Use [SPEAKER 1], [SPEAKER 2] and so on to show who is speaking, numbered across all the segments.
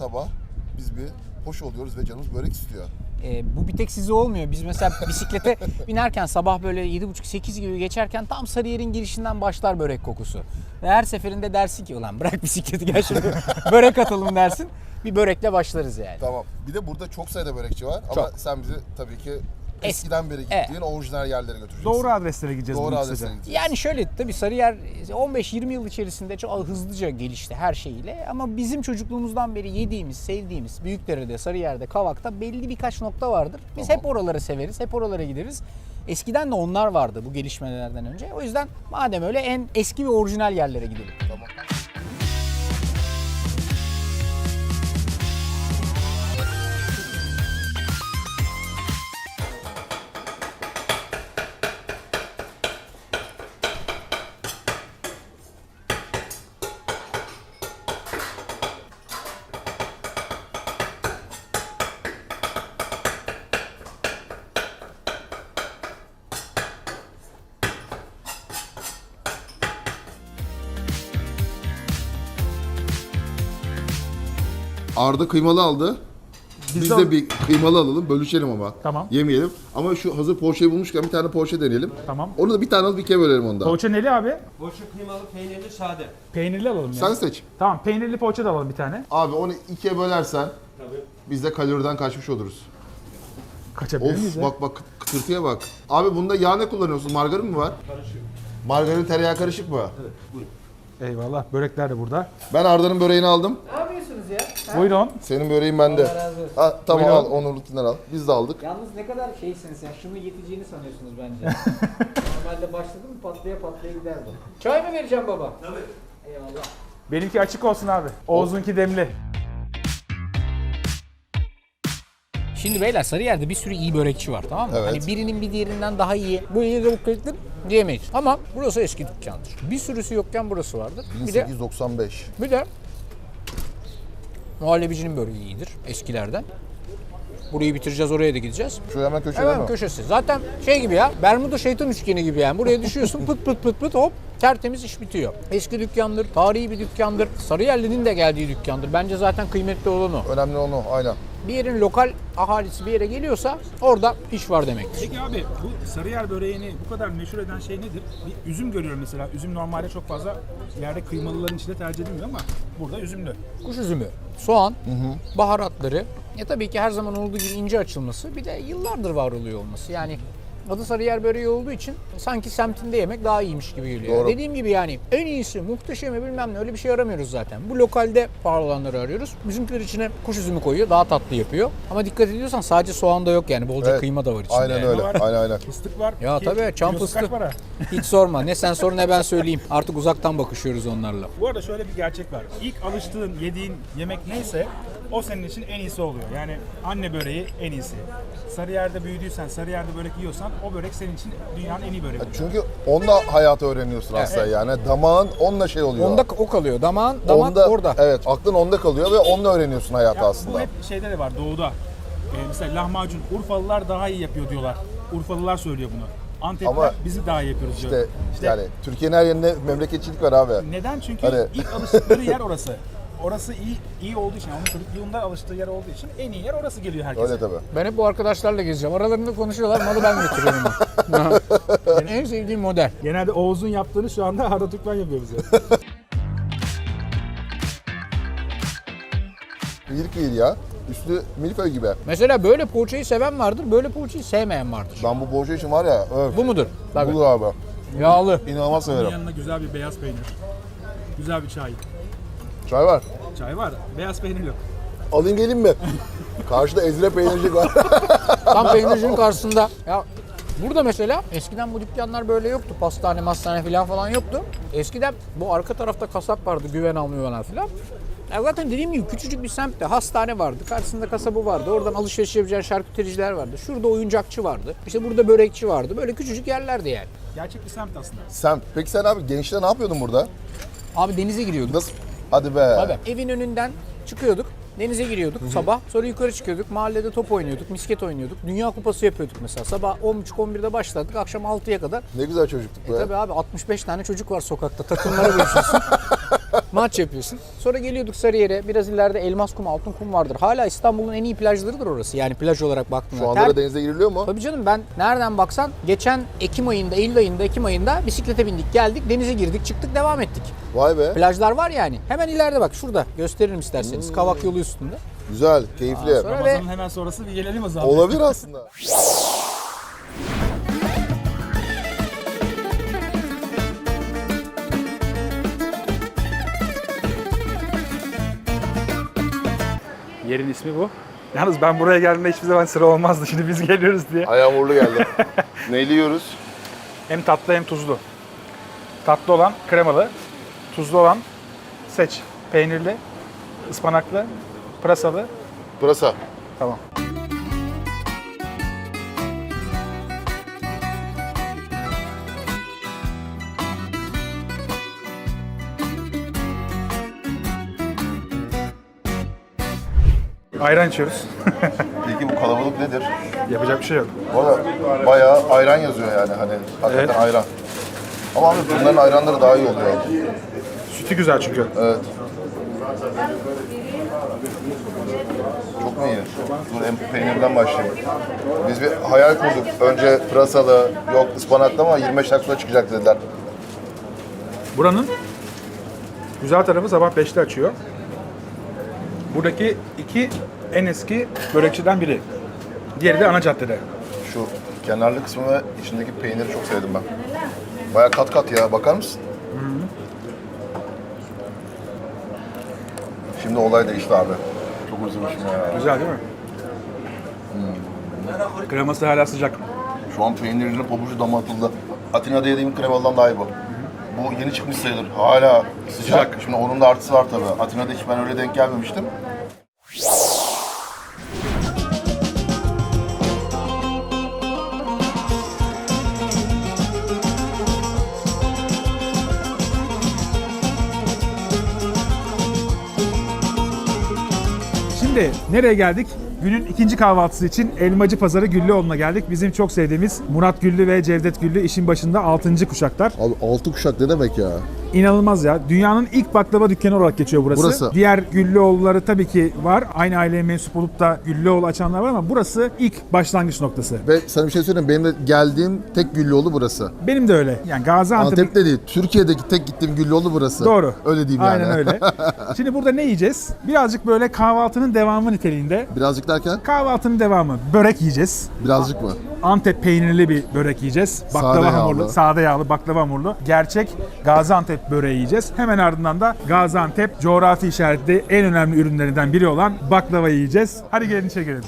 [SPEAKER 1] sabah biz bir hoş oluyoruz ve canımız börek istiyor.
[SPEAKER 2] Bu bir tek size olmuyor. Biz mesela bisiklete binerken sabah böyle 7.30-8 gibi geçerken tam Sarıyer'in girişinden başlar börek kokusu. Ve her seferinde dersin ki ulan bırak bisikleti gel şuraya börek atalım dersin. Bir börekle başlarız yani.
[SPEAKER 1] Tamam. Bir de burada çok sayıda börekçi var ama sen bizi tabii ki eskiden beri gittiğin orijinal yerlere götüreceksin.
[SPEAKER 3] Doğru adreslere gideceğiz.
[SPEAKER 1] Doğru
[SPEAKER 3] bugün
[SPEAKER 1] adreslere
[SPEAKER 3] kısaca.
[SPEAKER 1] gideceğiz.
[SPEAKER 2] Yani şöyle tabii Sarıyer 15-20 yıl içerisinde çok hızlıca gelişti her şeyiyle. Ama bizim çocukluğumuzdan beri yediğimiz, sevdiğimiz Büyükdere'de, Sarıyer'de, Kavak'ta belli birkaç nokta vardır. Biz hep oraları severiz, hep oralara gideriz. Eskiden de onlar vardı bu gelişmelerden önce. O yüzden madem öyle en eski ve orijinal yerlere gidelim.
[SPEAKER 1] Tamam. Arda kıymalı aldı. Biz de bir kıymalı alalım, bölüşelim ama.
[SPEAKER 3] Tamam.
[SPEAKER 1] Yemeyelim. Ama şu hazır poğaçayı bulmuşken bir tane poğaça deneyelim.
[SPEAKER 3] Tamam.
[SPEAKER 1] Onu da bir tane alıp ikiye bölelim onda.
[SPEAKER 3] Poğaça neli abi?
[SPEAKER 4] Poğaça kıymalı, peynirli, sade.
[SPEAKER 3] Peynirli alalım ya.
[SPEAKER 1] Sen seç.
[SPEAKER 3] Tamam, peynirli poğaça da alalım bir tane.
[SPEAKER 1] Abi onu ikiye bölersen
[SPEAKER 4] Tabii.
[SPEAKER 1] biz de kaloriden kaçmış oluruz.
[SPEAKER 3] Kaçabilir miyiz
[SPEAKER 1] Of
[SPEAKER 3] ya?
[SPEAKER 1] bak kıtırtıya bak. Abi bunda yağ ne kullanıyorsun? Margarin mi var?
[SPEAKER 4] Karışık.
[SPEAKER 1] Margarin tereyağı karışık mı?
[SPEAKER 4] Evet, buyurun.
[SPEAKER 3] Eyvallah. Börekler de burada.
[SPEAKER 1] Ben Arda'nın böreğini aldım.
[SPEAKER 2] Ne yapıyorsunuz ya?
[SPEAKER 3] Buyurun.
[SPEAKER 1] Senin böreğin bende.
[SPEAKER 2] Allah razı olsun.
[SPEAKER 1] Ha, tamam
[SPEAKER 3] Buyurun.
[SPEAKER 1] al Onur'unkinden al. Biz de aldık.
[SPEAKER 2] Yalnız ne kadar şeysiniz ya, şunu yeteceğini sanıyorsunuz bence. Normalde başladı mı patlaya patlaya gider bu. Çay mı vereceğim baba?
[SPEAKER 4] Tabii.
[SPEAKER 2] Eyvallah.
[SPEAKER 3] Benimki açık olsun abi. Oğuz'unki demli.
[SPEAKER 2] Şimdi beyler Sarıyer'de bir sürü iyi börekçi var, tamam mı?
[SPEAKER 1] Evet.
[SPEAKER 2] Hani birinin bir diğerinden daha iyi, bu iyi de bu kötüdür diyemeyiz. Ama burası eski dükkandır. Bir sürüsü yokken burası vardır. Bir de
[SPEAKER 1] 1895.
[SPEAKER 2] muhallebicinin böreği iyidir eskilerden. Burayı bitireceğiz, oraya da gideceğiz.
[SPEAKER 1] Şu hemen köşede
[SPEAKER 2] Hemen
[SPEAKER 1] mi?
[SPEAKER 2] köşesi. Zaten şey gibi ya, Bermuda şeytan üçgeni gibi yani. Buraya düşüyorsun pıt pıt pıt pıt hop tertemiz iş bitiyor. Eski dükkandır, tarihi bir dükkandır. Sarıyerli'nin de geldiği dükkandır. Bence zaten kıymetli olan o.
[SPEAKER 1] Önemli olan o, aynen.
[SPEAKER 2] Bir yerin lokal ahalisi bir yere geliyorsa orada iş var demektir.
[SPEAKER 3] Peki abi bu Sarıyer böreğini bu kadar meşhur eden şey nedir? Bir üzüm görüyorum mesela. Üzüm normalde çok fazla yerde kıymalıların içinde tercih edilmiyor ama burada üzümlü.
[SPEAKER 2] Kuş üzümü, soğan, baharatları, tabii ki her zaman olduğu gibi ince açılması, bir de yıllardır var oluyor olması. Yani adı Sarıyer böreği olduğu için sanki semtinde yemek daha iyiymiş gibi geliyor.
[SPEAKER 1] Doğru.
[SPEAKER 2] Dediğim gibi yani en iyisi, muhteşemi bilmem ne öyle bir şey aramıyoruz zaten. Bu lokalde pahalı olanları arıyoruz. Bizimkiler içine kuş üzümü koyuyor, daha tatlı yapıyor. Ama dikkat ediyorsan sadece soğan da yok yani, bolca
[SPEAKER 1] Evet.
[SPEAKER 2] kıyma da var içinde.
[SPEAKER 1] Aynen
[SPEAKER 2] yani.
[SPEAKER 1] öyle.
[SPEAKER 3] Var.
[SPEAKER 1] Aynen.
[SPEAKER 3] Fıstık var.
[SPEAKER 2] Ya
[SPEAKER 3] Ki
[SPEAKER 2] tabii çam
[SPEAKER 3] kilosu
[SPEAKER 2] fıstığı.
[SPEAKER 3] kaç para?
[SPEAKER 2] Hiç sorma. Ne sen sor ne ben söyleyeyim. Artık uzaktan bakışıyoruz onlarla.
[SPEAKER 3] Bu arada şöyle bir gerçek var. İlk alıştığın, yediğin yemek neyse o senin için en iyisi oluyor. Yani anne böreği en iyisi. Sarıyer'de büyüdüysen, Sarıyer'de börek yiyorsan o börek senin için dünyanın en iyi böreği.
[SPEAKER 1] Çünkü onunla hayatı öğreniyorsun aslında yani. Damağın onunla şey oluyor.
[SPEAKER 2] Onda o kalıyor. Damak orada.
[SPEAKER 1] Evet, aklın onda kalıyor ve onunla öğreniyorsun hayatı
[SPEAKER 3] Ya
[SPEAKER 1] aslında.
[SPEAKER 3] bu hep şeyde de var doğuda. Mesela lahmacun Urfalılar daha iyi yapıyor diyorlar. Urfalılar söylüyor bunu. Antep'te
[SPEAKER 1] Ama
[SPEAKER 3] bizi daha iyi yapıyoruz diyor.
[SPEAKER 1] İşte yani Türkiye'nin her yerinde memleketçilik var abi.
[SPEAKER 3] Neden? Çünkü
[SPEAKER 1] Hani-
[SPEAKER 3] ilk alıştıkları yer orası. Orası iyi olduğu için, onun çocukluğunda alıştığı yer olduğu için en iyi yer orası geliyor herkese.
[SPEAKER 1] Öyle tabii.
[SPEAKER 2] Ben hep bu arkadaşlarla gezeceğim. Aralarında konuşuyorlar. Malı ben götürüyorum. Yani en sevdiğim model.
[SPEAKER 3] Genelde Oğuz'un yaptığını şu anda Arda Türkmen yapıyor bize.
[SPEAKER 1] İyilik değil ya. Üstü milföy gibi.
[SPEAKER 2] Mesela böyle poğaçayı seven vardır, böyle poğaçayı sevmeyen vardır.
[SPEAKER 1] Ben bu poğaça için var ya, öf.
[SPEAKER 2] Bu mudur? Tabii.
[SPEAKER 1] Budur abi.
[SPEAKER 2] Yağlı.
[SPEAKER 1] İnanılmaz
[SPEAKER 3] Bunun
[SPEAKER 1] severim.
[SPEAKER 3] yanına güzel bir beyaz peynir. Güzel bir çay.
[SPEAKER 1] Çay var.
[SPEAKER 3] Çay var, beyaz peynir yok.
[SPEAKER 1] Alayım gelin mi? Karşıda Ezre peynircik var.
[SPEAKER 2] Tam peynircinin karşısında. Ya burada mesela eskiden bu dükkanlar böyle yoktu. Pastane, mastane falan yoktu. Eskiden bu arka tarafta kasap vardı, güven almıyorlar falan. Ya zaten dediğim gibi küçücük bir semtte hastane vardı. Karşısında kasabı vardı. Oradan alışveriş yapacağın şarkütericiler vardı. Şurada oyuncakçı vardı. İşte burada börekçi vardı. Böyle küçücük yerlerdi yani.
[SPEAKER 3] Gerçek bir semt aslında.
[SPEAKER 1] Sen, peki sen abi gençte ne yapıyordun burada?
[SPEAKER 2] Abi denize giriyorduk.
[SPEAKER 1] Nasıl? Hadi be.
[SPEAKER 2] Tabii. Evin önünden çıkıyorduk. Denize giriyorduk sabah. Sonra yukarı çıkıyorduk. Mahallede top oynuyorduk, misket oynuyorduk. Dünya Kupası yapıyorduk mesela. Sabah 10.30-11'de başladık. Akşam 6'ya kadar.
[SPEAKER 1] Ne güzel çocuktuk be.
[SPEAKER 2] Tabii abi 65 tane çocuk var sokakta. Takımlara bölüşüyorsun. Maç yapıyorsun. Sonra geliyorduk Sarıyer'e. Biraz ileride Elmas Kum, Altın Kum vardır. Hala İstanbul'un en iyi plajlarıdır orası. Yani plaj olarak baktığında.
[SPEAKER 1] Şu anda da denize giriliyor mu?
[SPEAKER 2] Tabii canım, ben nereden baksan geçen Ekim ayında, Ekim ayında bisiklete bindik, geldik, denize girdik, çıktık, devam ettik.
[SPEAKER 1] Vay be.
[SPEAKER 2] Plajlar var yani. Hemen ileride bak, şurada gösteririm isterseniz. Kavak yolu üstünde.
[SPEAKER 1] Güzel, keyifli.
[SPEAKER 2] Sonra
[SPEAKER 3] Ramazan'ın hemen sonrası bir gelelim o zaman.
[SPEAKER 1] Olabilir aslında.
[SPEAKER 3] Yerin ismi bu. Yalnız ben buraya geldiğimde hiçbir zaman sıra olmazdı. Şimdi biz geliyoruz diye.
[SPEAKER 1] Ayağım uğurlu geldi. Neyle yiyoruz?
[SPEAKER 3] Hem tatlı hem tuzlu. Tatlı olan kremalı, tuzlu olan seç. Peynirli, ıspanaklı, pırasalı.
[SPEAKER 1] Pırasa.
[SPEAKER 3] Tamam. Ayran içiyoruz.
[SPEAKER 1] Peki bu kalabalık nedir?
[SPEAKER 3] Yapacak bir şey yok.
[SPEAKER 1] Valla bayağı ayran yazıyor yani hani hakikaten
[SPEAKER 3] Evet.
[SPEAKER 1] ayran. Ama abi bunların ayranları daha iyi oluyor.
[SPEAKER 3] Sütü güzel çünkü.
[SPEAKER 1] Evet. Çok mu iyi? Dur en peynirden başlayayım. Biz bir hayal kurduk. Önce pırasalı, yok ıspanaklı ama 25 dakika çıkacak dediler.
[SPEAKER 3] Buranın güzel tarafı sabah 5'te açıyor. Buradaki iki en eski börekçiden biri. Diğeri de ana caddede.
[SPEAKER 1] Şu kenarlı kısmı ve içindeki peyniri çok sevdim ben. Bayağı kat kat ya, bakar mısın? Şimdi olay değişti abi. Çok özlemişim ya.
[SPEAKER 3] Güzel değil mi? Kreması hala sıcak.
[SPEAKER 1] Şu an peynirinin pabucu dama atıldı. Atina'da yediğim kremalıdan daha iyi bu. Bu yeni çıkmış sayılır. Hala sıcak. Şimdi onun da artısı var tabii. Atina'da hiç ben öyle denk gelmemiştim.
[SPEAKER 3] Şimdi nereye geldik? Günün ikinci kahvaltısı için Elmacı Pazarı Güllüoğlu'na geldik. Bizim çok sevdiğimiz Murat Güllü ve Cevdet Güllü işin başında 6. kuşaklar.
[SPEAKER 1] Abi 6 kuşak ne demek ya?
[SPEAKER 3] İnanılmaz ya. Dünyanın ilk baklava dükkanı olarak geçiyor burası.
[SPEAKER 1] Burası.
[SPEAKER 3] Diğer Güllüoğulları tabii ki var. Aynı aileye mensup olup da Güllüoğlu açanlar var ama burası ilk başlangıç noktası.
[SPEAKER 1] Ve sana bir şey söyleyeyim, benim de geldiğim tek Güllüoğlu burası.
[SPEAKER 3] Benim de öyle. Yani Gaziantep.
[SPEAKER 1] Antep'te değil, Türkiye'deki tek gittiğim Güllüoğlu burası.
[SPEAKER 3] Doğru.
[SPEAKER 1] Öyle diyeyim yani.
[SPEAKER 3] Aynen öyle. Şimdi burada ne yiyeceğiz? Birazcık böyle kahvaltının devamı niteliğinde.
[SPEAKER 1] Birazcık derken,
[SPEAKER 3] Kahvaltının devamı. Börek yiyeceğiz.
[SPEAKER 1] birazcık mı?
[SPEAKER 3] Antep peynirli bir börek yiyeceğiz. Baklava
[SPEAKER 1] Sade
[SPEAKER 3] hamurlu,
[SPEAKER 1] yağlı.
[SPEAKER 3] sade yağlı baklava hamurlu. Gerçek Gaziantep böreği yiyeceğiz. Hemen ardından da Gaziantep coğrafi işaretli en önemli ürünlerinden biri olan baklava yiyeceğiz. Hadi gelin içeri girelim.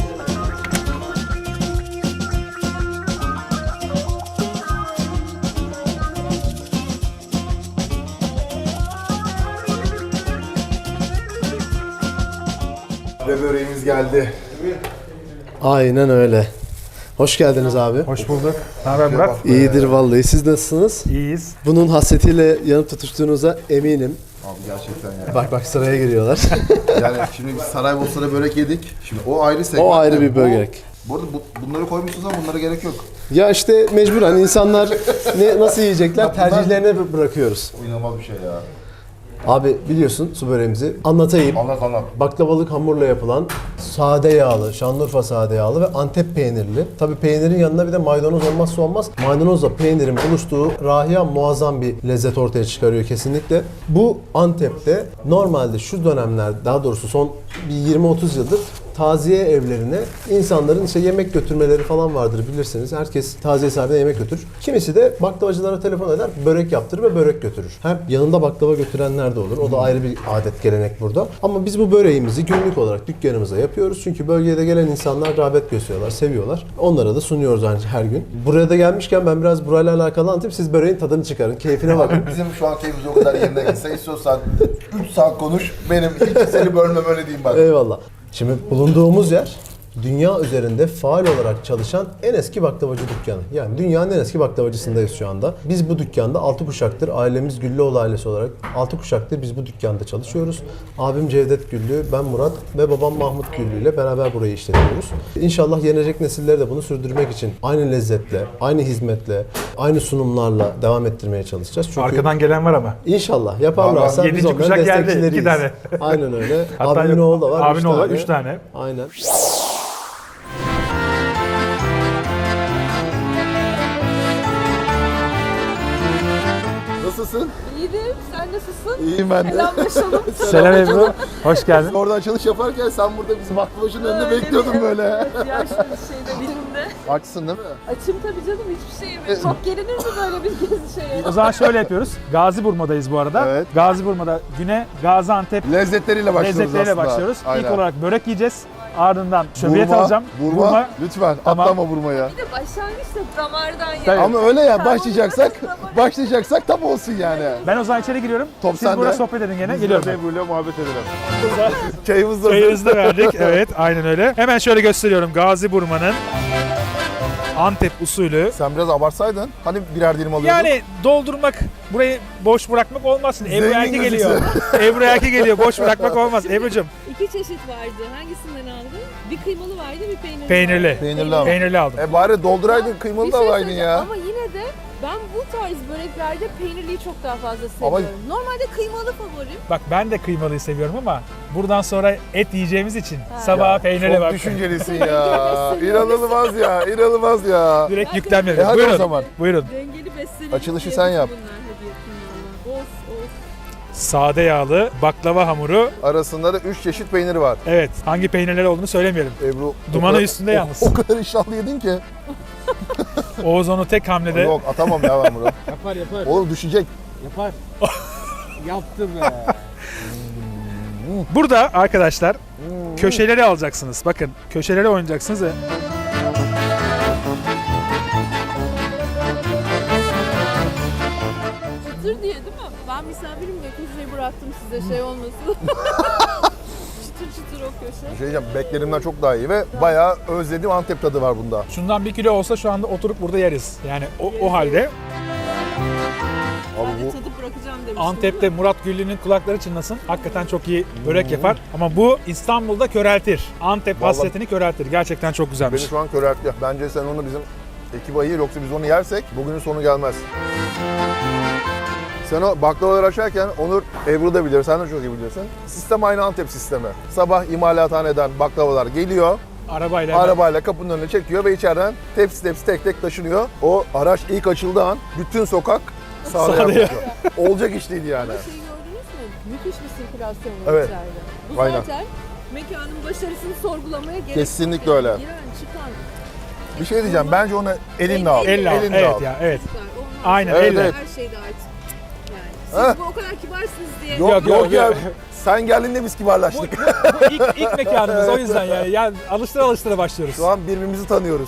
[SPEAKER 1] Ve böreğimiz geldi.
[SPEAKER 5] Aynen öyle. Hoş geldiniz abi.
[SPEAKER 3] Hoş bulduk. Ne haber Murat?
[SPEAKER 5] İyidir vallahi. Siz nasılsınız?
[SPEAKER 3] İyiyiz.
[SPEAKER 5] Bunun hasretiyle yanıp tutuştuğunuza eminim.
[SPEAKER 1] Abi gerçekten ya.
[SPEAKER 5] Bak sıraya giriyorlar.
[SPEAKER 1] Yani şimdi biz Saraybosna'da börek yedik. Şimdi o ayrı segment.
[SPEAKER 5] O ayrı bir
[SPEAKER 1] Bu-
[SPEAKER 5] börek.
[SPEAKER 1] Bu arada bunları koymuşsunuz ama bunlara gerek yok.
[SPEAKER 5] Ya işte mecburen insanlar nasıl yiyecekler tercihlerine bırakıyoruz.
[SPEAKER 1] Bu inanılmaz bir şey ya.
[SPEAKER 5] Abi biliyorsun su böreğimizi anlatayım.
[SPEAKER 1] Anlat anlat.
[SPEAKER 5] Baklavalık hamurla yapılan sade yağlı, Şanlıurfa sade yağlı ve Antep peynirli. Tabii peynirin yanına bir de maydanoz olmazsa olmaz. Maydanozla peynirin buluştuğu rahiya muazzam bir lezzet ortaya çıkarıyor kesinlikle. Bu Antep'te normalde şu dönemler, daha doğrusu son bir 20-30 yıldır taziye evlerine insanların işte yemek götürmeleri falan vardır bilirsiniz. Herkes taziye sahibine yemek götürür. Kimisi de baklavacılara telefon eder, börek yaptırır ve börek götürür. Hem yanında baklava götürenler de olur. O da ayrı bir adet, gelenek burada. Ama biz bu böreğimizi günlük olarak dükkanımıza yapıyoruz. Çünkü bölgede gelen insanlar rağbet gösteriyorlar, seviyorlar. Onlara da sunuyoruz ancak her gün. Buraya da gelmişken ben biraz burayla alakalı anlatayım. Siz böreğin tadını çıkarın, keyfine bakın.
[SPEAKER 1] Bizim şu an keyfimiz o kadar yerine gitse istiyorsan 3 saat konuş. Benim hiç seni bölmem öyle diyeyim bak.
[SPEAKER 5] Eyvallah. Şimdi bulunduğumuz yer dünya üzerinde faal olarak çalışan en eski baklavacı dükkanı. Yani dünyanın en eski baklavacısındayız şu anda. Biz bu dükkanda 6 kuşaktır, ailemiz Güllüoğlu ailesi olarak 6 kuşaktır biz bu dükkanda çalışıyoruz. Abim Cevdet Güllü, ben Murat ve babam Mahmut Güllü ile beraber burayı işletiyoruz. İnşallah yenecek nesiller de bunu sürdürmek için aynı lezzetle, aynı hizmetle, aynı sunumlarla devam ettirmeye çalışacağız. Çünkü
[SPEAKER 3] Arkadan gelen var ama.
[SPEAKER 5] İnşallah yaparlarsa biz
[SPEAKER 3] Yedinci
[SPEAKER 5] onların
[SPEAKER 3] kuşak geldi,
[SPEAKER 5] destekçileriyiz.
[SPEAKER 3] 2 tane.
[SPEAKER 5] Aynen öyle.
[SPEAKER 3] Hatta
[SPEAKER 5] Abimin oğlu da var.
[SPEAKER 3] Abinin oğlu var, 3 tane.
[SPEAKER 5] Aynen.
[SPEAKER 1] Nasılsın?
[SPEAKER 6] İyiyim, sen nasılsın?
[SPEAKER 1] İyiyim ben de.
[SPEAKER 6] Selamlaşalım.
[SPEAKER 3] Selam Ebru. Hoş geldin.
[SPEAKER 1] Orada açılış yaparken sen burada bizim baklavacının önünde bekliyordun böyle.
[SPEAKER 6] Evet ya şimdi şeyde birinde.
[SPEAKER 1] Açsın değil mi?
[SPEAKER 6] Açım tabii canım hiçbir şey yemedim. Çok gelinir mi böyle bir gezi şeye?
[SPEAKER 3] O zaman şöyle yapıyoruz. Gaziburma'dayız bu arada.
[SPEAKER 1] Evet.
[SPEAKER 3] Gaziburma'da güne Gaziantep
[SPEAKER 1] Lezzetleriyle başlıyoruz
[SPEAKER 3] lezzetleriyle
[SPEAKER 1] aslında.
[SPEAKER 3] başlıyoruz.
[SPEAKER 1] Aynen.
[SPEAKER 3] İlk olarak börek yiyeceğiz. Ardından şöbiyet alacağım.
[SPEAKER 1] Vurma. Lütfen
[SPEAKER 3] Tamam.
[SPEAKER 1] atlama vurmaya.
[SPEAKER 6] Bir de başlangıçta damardan
[SPEAKER 3] Tabii.
[SPEAKER 6] ya.
[SPEAKER 1] Ama öyle ya
[SPEAKER 6] Tamam.
[SPEAKER 1] başlayacaksak tam olsun yani.
[SPEAKER 3] Ben o zaman içeri giriyorum.
[SPEAKER 1] Top
[SPEAKER 3] Siz
[SPEAKER 1] sende.
[SPEAKER 3] burada sohbet edin gene. Geliyorum.
[SPEAKER 1] Ebru'yla muhabbet edelim. Çayımız da
[SPEAKER 3] Çayınızı da verdik. Evet, aynen öyle. Hemen şöyle gösteriyorum. Gaziburma'nın Antep usulü.
[SPEAKER 1] Sen biraz abartsaydın. Hani birer dilim alıyordun.
[SPEAKER 3] Yani doldurmak, burayı boş bırakmak olmaz. Şimdi Ebru
[SPEAKER 1] Zengin
[SPEAKER 3] Erki
[SPEAKER 1] gözükse.
[SPEAKER 3] geliyor. Ebru Erki geliyor. Boş bırakmak olmaz. Ebru'cum
[SPEAKER 6] İki çeşit vardı. Hangisinden aldın? Bir kıymalı vardı, bir peynirli.
[SPEAKER 3] peynirli.
[SPEAKER 1] Peynirli ama.
[SPEAKER 3] Peynirli aldım.
[SPEAKER 1] Bari dolduraydın kıymalı
[SPEAKER 6] Bir
[SPEAKER 1] da
[SPEAKER 6] şey
[SPEAKER 1] alaydın
[SPEAKER 6] söyleyeceğim
[SPEAKER 1] ya.
[SPEAKER 6] Ama yine de ben bu tarz böreklerde peynirliyi çok daha fazla
[SPEAKER 1] Ama-
[SPEAKER 6] seviyorum. Normalde kıymalı favorim.
[SPEAKER 3] Bak ben de kıymalıyı seviyorum ama buradan sonra et yiyeceğimiz için sabaha peynirli
[SPEAKER 1] Çok
[SPEAKER 3] bak.
[SPEAKER 1] düşüncelisin ya. İnanılmaz ya. İnanılmaz ya.
[SPEAKER 3] Direkt yüklenmedim.
[SPEAKER 1] hadi
[SPEAKER 3] Buyurun.
[SPEAKER 1] o zaman.
[SPEAKER 3] Buyurun.
[SPEAKER 6] Dengeli beslenim.
[SPEAKER 1] Açılışı sen yap.
[SPEAKER 6] Bunlar hediye of.
[SPEAKER 3] Sade yağlı baklava hamuru.
[SPEAKER 1] Arasında da 3 çeşit peynir var.
[SPEAKER 3] Evet. Hangi peynirler olduğunu söylemeyelim.
[SPEAKER 1] Ebru
[SPEAKER 3] Dumanı
[SPEAKER 1] o kadar-
[SPEAKER 3] üstünde yalnız.
[SPEAKER 1] O kadar iştahlı yedin ki.
[SPEAKER 3] Oğuz onu tek hamlede.
[SPEAKER 1] Yok atamam ya ben bunu.
[SPEAKER 2] Yapar.
[SPEAKER 1] Oğlum düşecek.
[SPEAKER 2] Yapar. Yaptı be.
[SPEAKER 3] Burada arkadaşlar köşeleri alacaksınız. Bakın köşeleri oynayacaksınız ve
[SPEAKER 6] Çıtır diye değil mi? Ben misafirim de köşeyi bıraktım size şey olmasın. çıtır çıtır o köşe.
[SPEAKER 1] Bir şey diyeceğim, beklerimden çok daha iyi ve bayağı özlediğim Antep tadı var bunda.
[SPEAKER 3] şundan 1 kilo olsa şu anda oturup burada yeriz. Yani o halde
[SPEAKER 1] Abi
[SPEAKER 6] Ben de
[SPEAKER 1] bu
[SPEAKER 6] tadıp bırakacağım demiştim.
[SPEAKER 3] Antep'te Murat Güllü'nün kulakları çınlasın. Hakikaten çok iyi börek yapar. Ama bu İstanbul'da köreltir. Antep
[SPEAKER 1] Vallahi-
[SPEAKER 3] hasretini köreltir. Gerçekten çok güzelmiş.
[SPEAKER 1] beni şu an köreltti. Bence sen onu bizim ekibe ayır, yoksa biz onu yersek bugünün sonu gelmez. Sen o baklavaları açarken Onur, Ebru da bilir, sen de çok iyi bilirsin. Sistem aynı Antep sistemi. Sabah imalathaneden baklavalar geliyor, arabayla kapının önüne çekiyor ve içeriden tepsi tepsi tek tek taşınıyor. O araç ilk açıldığı an bütün sokak sağda
[SPEAKER 3] Sağda
[SPEAKER 1] yapıyor. Olacak iş değil yani.
[SPEAKER 6] Ama şeyi gördünüz mü? Müthiş bir sirkülasyon var
[SPEAKER 1] Evet.
[SPEAKER 6] içeride. Bu
[SPEAKER 1] Aynen.
[SPEAKER 6] zaten mekanın başarısını sorgulamaya gerek
[SPEAKER 1] Kesinlikle
[SPEAKER 6] yok.
[SPEAKER 1] öyle.
[SPEAKER 6] Giren, çıkan.
[SPEAKER 1] Bir şey diyeceğim, bence onu elinle al.
[SPEAKER 3] Elle al.
[SPEAKER 1] Elinle
[SPEAKER 3] Evet
[SPEAKER 1] al.
[SPEAKER 3] ya, evet.
[SPEAKER 6] Çıkar. Olmaz.
[SPEAKER 3] Aynen,
[SPEAKER 1] Evet,
[SPEAKER 3] elle.
[SPEAKER 1] evet.
[SPEAKER 6] Her şeyde artık. Yani. Siz
[SPEAKER 1] Heh.
[SPEAKER 6] bu o kadar kibarsınız diye.
[SPEAKER 1] Yok
[SPEAKER 3] Yok,
[SPEAKER 1] ya,
[SPEAKER 3] yok.
[SPEAKER 1] sen geldiğinde biz kibarlaştık.
[SPEAKER 3] Bu ilk mekanımız o yüzden yani. Yani alıştıra başlıyoruz.
[SPEAKER 1] Şu an birbirimizi tanıyoruz.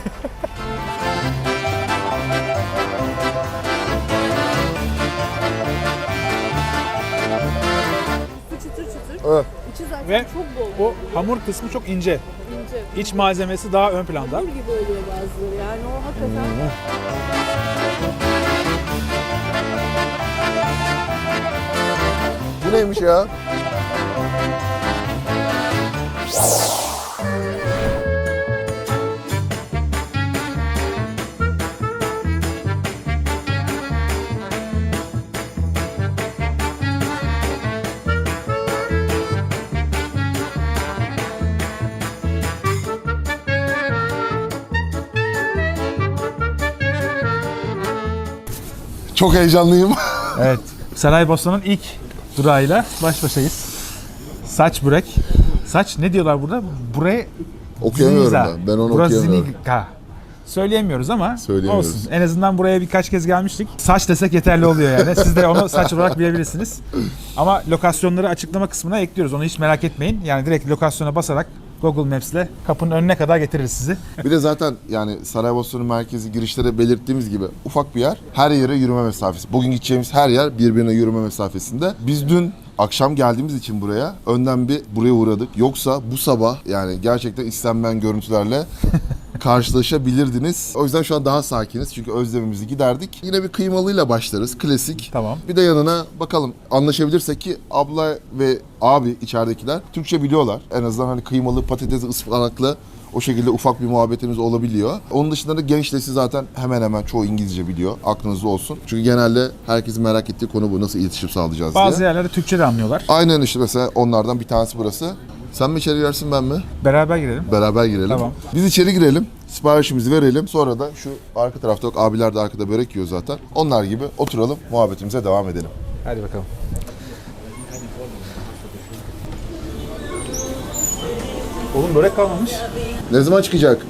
[SPEAKER 6] Su çıtır çıtır.
[SPEAKER 1] Evet.
[SPEAKER 6] İçi zaten
[SPEAKER 3] Ve
[SPEAKER 6] çok bol.
[SPEAKER 3] O hamur kısmı çok ince.
[SPEAKER 6] ince.
[SPEAKER 3] İç malzemesi daha ön planda.
[SPEAKER 6] Hamur gibi oluyor bazıları. Yani o hakikaten.
[SPEAKER 1] Bu neymiş ya? Çok heyecanlıyım.
[SPEAKER 3] Evet. Saraybosna'nın ilk durağıyla baş başayız. Saç börek. Saç ne diyorlar burada? Buraya
[SPEAKER 1] Okuyamıyorum
[SPEAKER 3] Ziniza.
[SPEAKER 1] ben. Ben onu okuyamıyorum.
[SPEAKER 3] Brasinika. Söyleyemiyoruz ama
[SPEAKER 1] Söyleyemiyoruz.
[SPEAKER 3] olsun. En azından buraya birkaç kez gelmiştik. Saç desek yeterli oluyor yani. Siz de onu saç olarak bilebilirsiniz. Ama lokasyonları açıklama kısmına ekliyoruz. Onu hiç merak etmeyin. Yani direkt lokasyona basarak Google Maps'le kapının önüne kadar getiririz sizi.
[SPEAKER 1] Bir de zaten yani Saraybosna'nın merkezi girişte de belirttiğimiz gibi ufak bir yer. Her yere yürüme mesafesi. Bugün gideceğimiz her yer birbirine yürüme mesafesinde. Biz dün akşam geldiğimiz için buraya önden bir buraya uğradık. Yoksa bu sabah yani gerçekten istenmeyen görüntülerle karşılaşabilirdiniz. O yüzden şu an daha sakiniz çünkü özlemimizi giderdik. Yine bir kıymalıyla başlarız. Klasik.
[SPEAKER 3] Tamam.
[SPEAKER 1] Bir de yanına bakalım anlaşabilirsek ki abla ve abi içeridekiler Türkçe biliyorlar. En azından hani kıymalı, patatesli, ıspanaklı o şekilde ufak bir muhabbetimiz olabiliyor. Onun dışında da genç nesil zaten hemen hemen çoğu İngilizce biliyor. Aklınızda olsun. Çünkü genelde herkesin merak ettiği konu bu. Nasıl iletişim sağlayacağız diye.
[SPEAKER 3] Bazı yerlerde Türkçe de anlıyorlar.
[SPEAKER 1] Aynen işte mesela onlardan bir tanesi burası. Sen mi içeri girersin ben mi?
[SPEAKER 3] Beraber girelim.
[SPEAKER 1] Beraber girelim.
[SPEAKER 3] Tamam.
[SPEAKER 1] Biz içeri girelim. Siparişimizi verelim. Sonra da şu arka tarafta yok. Abiler de arkada börek yiyor zaten. Onlar gibi oturalım. Muhabbetimize devam edelim.
[SPEAKER 3] Hadi bakalım. Oğlum börek kalmamış.
[SPEAKER 1] Ne zaman çıkacak?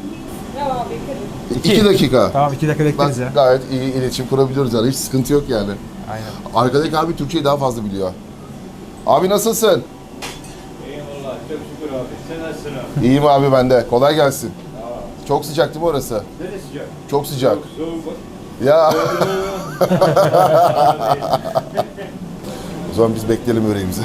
[SPEAKER 1] 2 dakika.
[SPEAKER 3] Tamam 2 dakika
[SPEAKER 1] Bak
[SPEAKER 3] bekleriz ya.
[SPEAKER 1] gayet iyi iletişim kurabiliyoruz yani. Hiç sıkıntı yok yani.
[SPEAKER 3] Aynen.
[SPEAKER 1] Arkadaki abi Türkçeyi daha fazla biliyor. Abi nasılsın?
[SPEAKER 7] Eyvallah, çok şükür abi. Sen nasılsın abi?
[SPEAKER 1] İyiyim abi ben de. Kolay gelsin. Çok sıcak değil mi orası?
[SPEAKER 7] Neresi sıcak?
[SPEAKER 1] Çok sıcak.
[SPEAKER 7] Soğuk.
[SPEAKER 1] Ya. O zaman biz bekleyelim böreğimizi.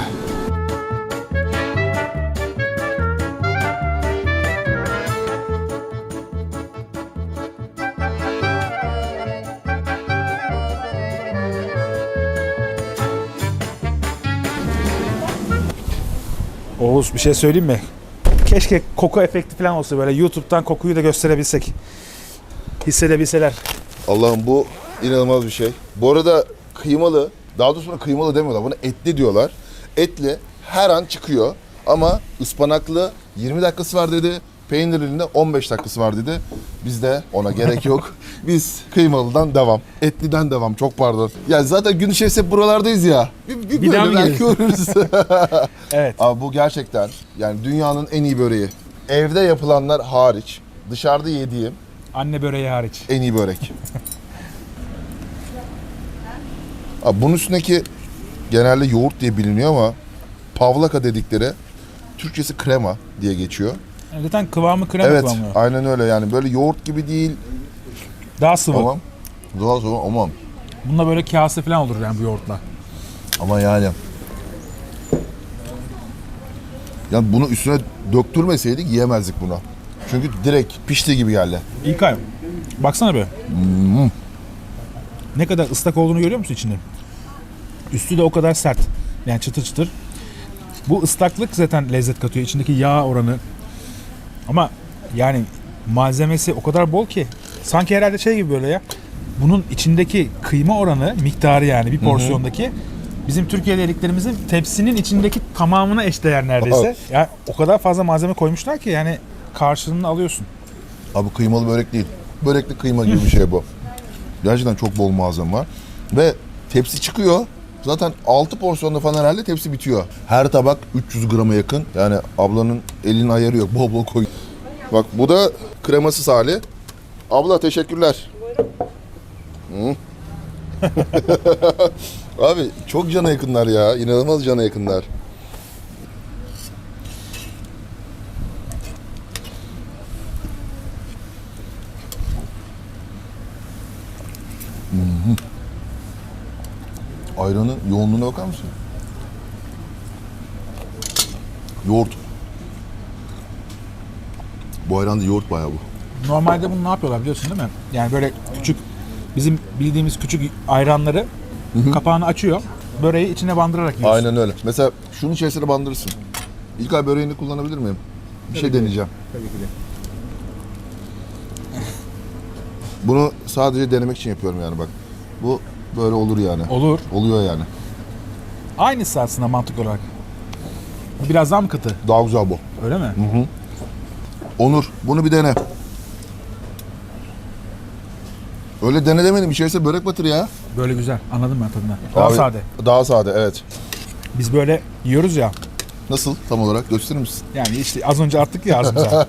[SPEAKER 3] Oğuz bir şey söyleyeyim mi? Keşke koku efekti falan olsa böyle YouTube'dan kokuyu da gösterebilsek. Hissedebilseler.
[SPEAKER 1] Allah'ım bu inanılmaz bir şey. Bu arada kıymalı, daha doğrusu buna kıymalı demiyorlar. Buna etli diyorlar. Etli her an çıkıyor ama ıspanaklı 20 dakikası var dedi. Peynirlinin 15 dakikası var dedi. Bizde ona gerek yok. Biz kıymalıdan devam. Etliden devam. Çok pardon. Ya zaten gün içerisinde hep buralardayız ya. Bir
[SPEAKER 3] daha
[SPEAKER 1] böyle
[SPEAKER 3] mı
[SPEAKER 1] belki uğrarız.
[SPEAKER 3] Evet.
[SPEAKER 1] Abi bu gerçekten yani dünyanın en iyi böreği. Evde yapılanlar hariç dışarıda yediğim
[SPEAKER 3] Anne böreği hariç.
[SPEAKER 1] en iyi börek. Abi bunun üstündeki genelde yoğurt diye biliniyor ama pavlaka dedikleri Türkçesi krema diye geçiyor.
[SPEAKER 3] Yani zaten kıvamı krema
[SPEAKER 1] Evet,
[SPEAKER 3] kıvamı.
[SPEAKER 1] aynen öyle yani böyle yoğurt gibi değil
[SPEAKER 3] Daha sıvı.
[SPEAKER 1] ama daha sonra ama
[SPEAKER 3] Bunda böyle kase falan olur yani bu yoğurtla.
[SPEAKER 1] ama yani bunu üstüne döktürmeseydik yiyemezdik bunu. Çünkü direkt pişti gibi geldi.
[SPEAKER 3] İlkay, baksana be. Ne kadar ıslak olduğunu görüyor musun içinde? Üstü de o kadar sert. Yani çıtır çıtır. Bu ıslaklık zaten lezzet katıyor. İçindeki yağ oranı. Ama yani malzemesi o kadar bol ki. Sanki herhalde şey gibi böyle ya. Bunun içindeki kıyma oranı, miktarı yani bir porsiyondaki bizim Türkiye'de yediklerimizin tepsinin içindeki tamamına eşdeğer neredeyse. Yani o kadar fazla malzeme koymuşlar ki yani karşılığını alıyorsun.
[SPEAKER 1] Abi kıymalı börek değil. Börekli kıyma gibi bir şey bu. Gerçekten çok bol malzeme var. Ve tepsi çıkıyor. Zaten 6 porsiyonda falan herhalde tepsi bitiyor. Her tabak 300 grama yakın. Yani ablanın elinin ayarı yok. Bol bol koy. Bak bu da kremasız hali. Abla teşekkürler. Hı. Abi çok cana yakınlar ya. İnanılmaz cana yakınlar. Ayranın yoğunluğuna bakar mısın? Yoğurt. Bu ayranda yoğurt bayağı bu.
[SPEAKER 3] Normalde bunu ne yapıyorlar biliyorsun değil mi? Yani böyle küçük bizim bildiğimiz küçük ayranları kapağını açıyor. Böreği içine bandırarak yiyorsun.
[SPEAKER 1] Aynen öyle. Mesela şunun içerisine bandırırsın. İlkay böreğini kullanabilir miyim? Bir şey deneyeceğim.
[SPEAKER 3] Tabii ki de.
[SPEAKER 1] Bunu sadece denemek için yapıyorum yani bak. Bu böyle olur yani.
[SPEAKER 3] Olur.
[SPEAKER 1] Oluyor yani.
[SPEAKER 3] Aynısı aslında mantık olarak. Biraz daha mı katı?
[SPEAKER 1] Daha güzel bu.
[SPEAKER 3] Öyle mi?
[SPEAKER 1] Onur bunu bir dene. Öyle dene demedim. İçerisine börek batır ya.
[SPEAKER 3] Böyle güzel. Anladım ben tadını. Daha
[SPEAKER 1] Abi,
[SPEAKER 3] sade.
[SPEAKER 1] Daha sade evet.
[SPEAKER 3] Biz böyle yiyoruz ya.
[SPEAKER 1] Nasıl tam olarak gösterir misin?
[SPEAKER 3] Yani işte az önce attık ya ağzımıza.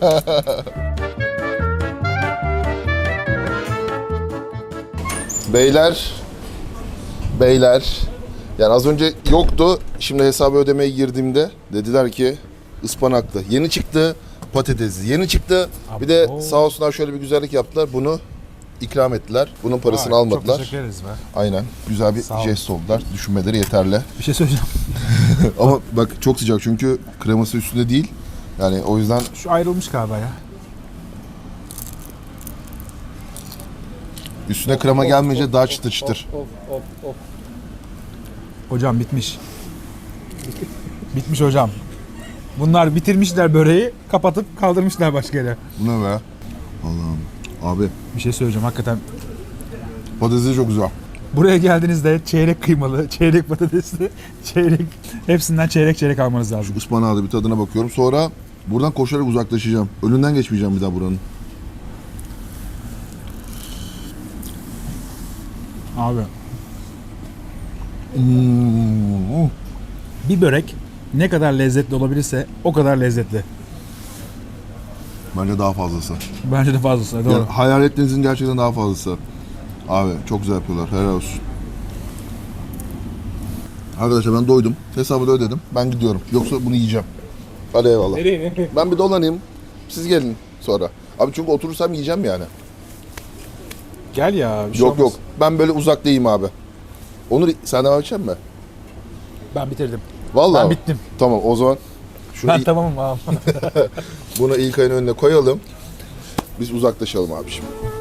[SPEAKER 1] Beyler. Yani az önce yoktu. Şimdi hesabı ödemeye girdiğimde dediler ki ıspanaklı. Yeni çıktı patatesli. Yeni çıktı. Bir de sağ olsunlar şöyle bir güzellik yaptılar. Bunu ikram ettiler. Bunun parasını
[SPEAKER 3] Vay,
[SPEAKER 1] almadılar.
[SPEAKER 3] Çok teşekkür ederiz be.
[SPEAKER 1] Aynen. Güzel bir
[SPEAKER 3] Sağ ol.
[SPEAKER 1] jest oldular. Düşünmeleri yeterli.
[SPEAKER 3] Bir şey söyleyeceğim.
[SPEAKER 1] Ama bak çok sıcak çünkü kreması üstünde değil. Yani o yüzden
[SPEAKER 3] Şu ayrılmış galiba ya.
[SPEAKER 1] üstüne krema gelmeyince daha çıtır çıtır.
[SPEAKER 3] Hocam bitmiş. Bitmiş hocam. Bunlar bitirmişler böreği, kapatıp kaldırmışlar başka yere.
[SPEAKER 1] Bu ne be? Allah'ım. Abi
[SPEAKER 3] Bir şey söyleyeceğim hakikaten.
[SPEAKER 1] patatesi çok güzel.
[SPEAKER 3] Buraya geldiğinizde çeyrek kıymalı, çeyrek patatesli, çeyrek hepsinden çeyrek almanız lazım.
[SPEAKER 1] Ispanağı da bir tadına bakıyorum. Sonra buradan koşarak uzaklaşacağım. Önünden geçmeyeceğim bir daha buranın.
[SPEAKER 3] Abi
[SPEAKER 1] Hmm.
[SPEAKER 3] bir börek ne kadar lezzetli olabilirse o kadar lezzetli.
[SPEAKER 1] Bence daha fazlası.
[SPEAKER 3] Bence de fazlası. Doğru.
[SPEAKER 1] Yani hayal ettiğinizin gerçekten daha fazlası. Abi çok güzel yapıyorlar. Helal olsun. Arkadaşlar ben doydum. Hesabı da ödedim. Ben gidiyorum. Yoksa bunu yiyeceğim. Hadi eyvallah.
[SPEAKER 2] Nereye?
[SPEAKER 1] Ben bir dolanayım. Siz gelin sonra. Abi çünkü oturursam yiyeceğim yani.
[SPEAKER 3] Gel ya. Bir şey
[SPEAKER 1] Yok
[SPEAKER 3] olmaz.
[SPEAKER 1] yok. Ben böyle uzaktayım abi. Onur sen devam edecek misin?
[SPEAKER 3] Ben bitirdim.
[SPEAKER 1] Vallahi
[SPEAKER 3] Ben
[SPEAKER 1] mi?
[SPEAKER 3] bittim.
[SPEAKER 1] Tamam o zaman şunu
[SPEAKER 3] Ben tamamım abi.
[SPEAKER 1] bunu İlkay'ın önüne koyalım. Biz uzaklaşalım abi şimdi.